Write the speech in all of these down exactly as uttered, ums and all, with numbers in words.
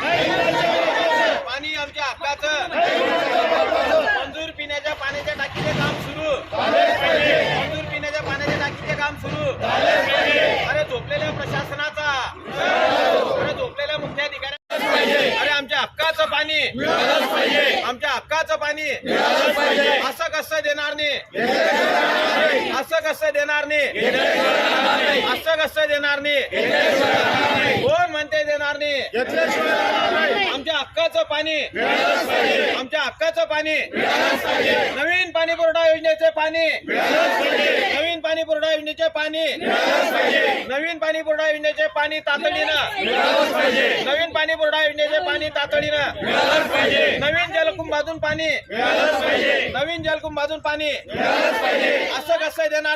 पाणी आमच्या हक्काचं, मंजूर पिण्याच्या पाण्याच्या टाकीचे काम सुरू, मंजूर पिण्याच्या पाण्याच्या टाकीचे काम सुरू. अरे झोपलेल्या प्रशासनाचा, अरे झोपलेल्या मुख्याधिकाऱ्या, अरे आमच्या हक्काचं पाणी, आमच्या हक्काचं पाणी असं कसं देणार नाही, असं कसं देणार नाही, असं कसं देणार नाही, कोण म्हणते देणार नाही. आमच्या हक्काचं पाणी, आमच्या हक्काचं पाणी, नवीन पाणी पुरवठा योजनेचे पाणी, नवीन पाणी पुरवठा योजनेचे पाणी, नवीन पाणी पुरवठा योजनेचे पाणी तातडीनं, नवीन पाणी पुरवठा योजनेचे पाणी तातडीनं, नवीन जलकुंभातून पाणी, नवीन जलकुंभातून पाणी असं कसं देणार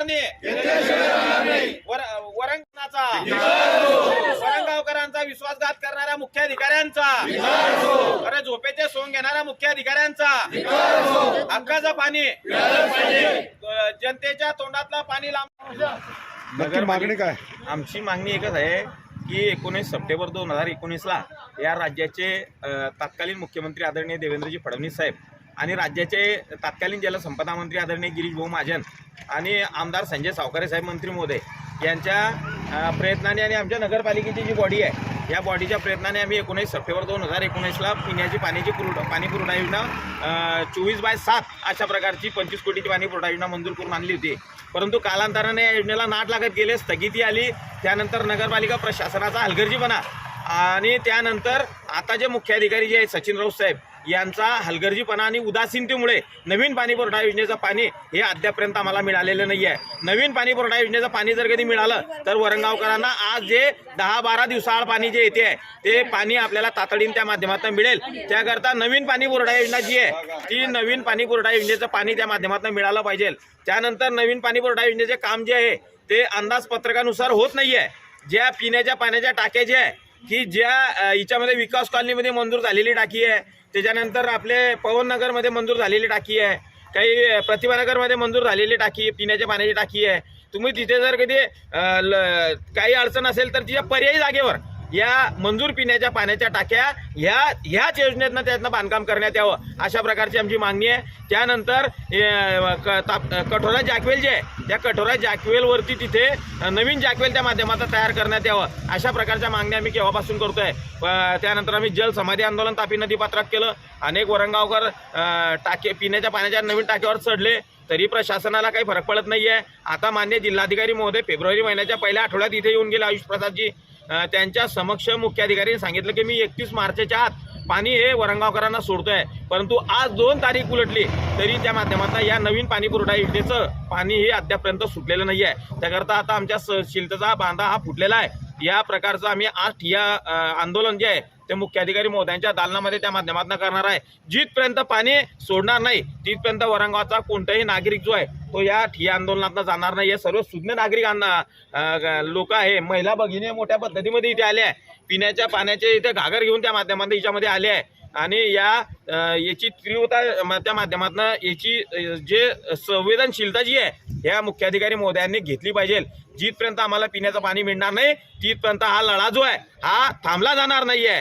नाही. वरंगणाचा, वरंगावकरांचा विश्वासघात करणाऱ्या मुख्याधिकाऱ्यांचा, अरे झोपेचे सोंग घेणाऱ्या मुख्याधिकाऱ्यांचा, हक्काचं पाणी, जनतेच्या तोंडातला पाणी लांब. नक्की मागणी काय? आमची मागणी एकच आहे की एकोणीस सप्टेंबर दोन हजार एकोणीसला या राज्याचे तत्कालीन मुख्यमंत्री आदरणीय देवेंद्रजी फडणवीस साहेब आणि राज्याचे तत्कालीन जलसंपदा मंत्री आदरणीय गिरीश भाऊ महाजन आणि आमदार संजय सावकारे साहेब मंत्री महोदय यांच्या प्रयत्नाने आणि आमच्या नगरपालिकेची जी बॉडी आहे या बॉडीच्या प्रयत्नाने आम्ही एकोणीस सप्टेंबर दोन हजार एकोणीसला पिण्याची पाण्याची पुरवठा पाणी पुरवठा योजना चोवीस बाय सात अशा प्रकारची पंचवीस कोटीची पाणी पुरवठा योजना मंजूर करून आणली होती. परंतु कालांतराने या योजनेला नाट लागत गेले, स्थगिती आली. त्यानंतर नगरपालिका प्रशासनाचा हलगर्जीपणा आणि त्यानंतर आता जे मुख्याधिकारी जे आहेत सचिन राऊत साहेब यांचा हलगर्जीपणा आणि उदासीनतेमुळे नवीन पाणी पुरवठा योजनेचं पाणी हे अद्यापर्यंत आम्हाला मिळालेलं नाही आहे. नवीन पाणी पुरवठा योजनेचं पाणी जर कधी मिळालं तर वरंगावकरांना आज जे दहा बारा दिवसाआड पाणी जे येते आहे ते पाणी आपल्याला तातडीने त्या माध्यमातून मिळेल. त्याकरता नवीन पाणी पुरवठा योजना जी आहे ती नवीन पाणी पुरवठा योजनेचं पाणी त्या माध्यमातून मिळालं पाहिजे. त्यानंतर नवीन पाणी पुरवठा योजनेचे काम जे आहे ते अंदाजपत्रकानुसार होत नाही आहे. ज्या पिण्याच्या पाण्याच्या टाक्या ज्या आहे की ज्या हिच्यामध्ये विकास कॉलनीमध्ये मंजूर झालेली टाकी आहे, त्याच्यानंतर आपले पवननगरमध्ये मंजूर झालेली टाकी आहे, काही प्रतिभानगरमध्ये मंजूर झालेली टाकी पिण्याच्या पाण्याची टाकी आहे. तुम्ही तिथे जर कधी काही अडचण असेल तर तिच्या पर्यायी जागेवर या मंजूर पिण्याच्या पाण्याच्या टाक्या ह्या ह्याच योजनेतनं त्यातनं बांधकाम करण्यात यावं अशा प्रकारची आमची मागणी आहे. त्यानंतर कठोरा जॅकवेल जे आहे त्या कठोरा जॅकवेलवरती तिथे नवीन जॅकवेल त्या माध्यमातून तयार करण्यात यावं अशा प्रकारच्या मागण्या आम्ही केव्हापासून करतोय. त्यानंतर आम्ही जल समाधी आंदोलन तापी नदीपात्रात केलं. अनेक वरंगावकर टाके पिण्याच्या पाण्याच्या नवीन टाक्यावर चढले तरी प्रशासनाला काही फरक पडत नाही आहे. आता मान्य जिल्हाधिकारी महोदय फेब्रुवारी महिन्याच्या पहिल्या आठवड्यात इथे येऊन गेले. आयुष प्रसादजी त्यांच्या समक्ष मुख्याधिकाऱ्यांनी सांगितलं की मी एकतीस मार्चच्या आत पाणी हे वरंगावकरांना सोडतोय. परंतु आज दोन तारीख उलटली तरी त्या माध्यमातून या नवीन पाणी पुरवठा योजनेचं पाणी हे अद्यापर्यंत सुटलेलं नाही आहे. त्याकरता आता आमच्या शिलतेचा बांधा हा फुटलेला आहे. या प्रकारचं आम्ही आज ठिय्या आंदोलन जे आहे ते मुख्याधिकारी महोदयांच्या दालनामध्ये त्या माध्यमातून करणार आहे. जिथपर्यंत पाणी सोडणार नाही तिथपर्यंत वरंगावचा कोणताही नागरिक जो आहे तो या ठिय्या आंदोलनातनं जाणार नाही. हे सर्व सुज्ञ नागरिकांना लोक आहे, महिला भगिनी मोठ्या पद्धतीमध्ये इथे आले आहे. पिण्याच्या पाण्याचे इथे घागर घेऊन त्या माध्यमातून याच्यामध्ये आले आहे आणि या याची तीव्रता त्या माध्यमातून याची जे संवेदनशीलता जी आहे ह्या मुख्याधिकारी महोदयांनी घेतली पाहिजे. जिथपर्यंत आम्हाला पिण्याचं पाणी मिळणार नाही तिथपर्यंत हा लढा जो आहे हा थांबला जाणार नाही आहे.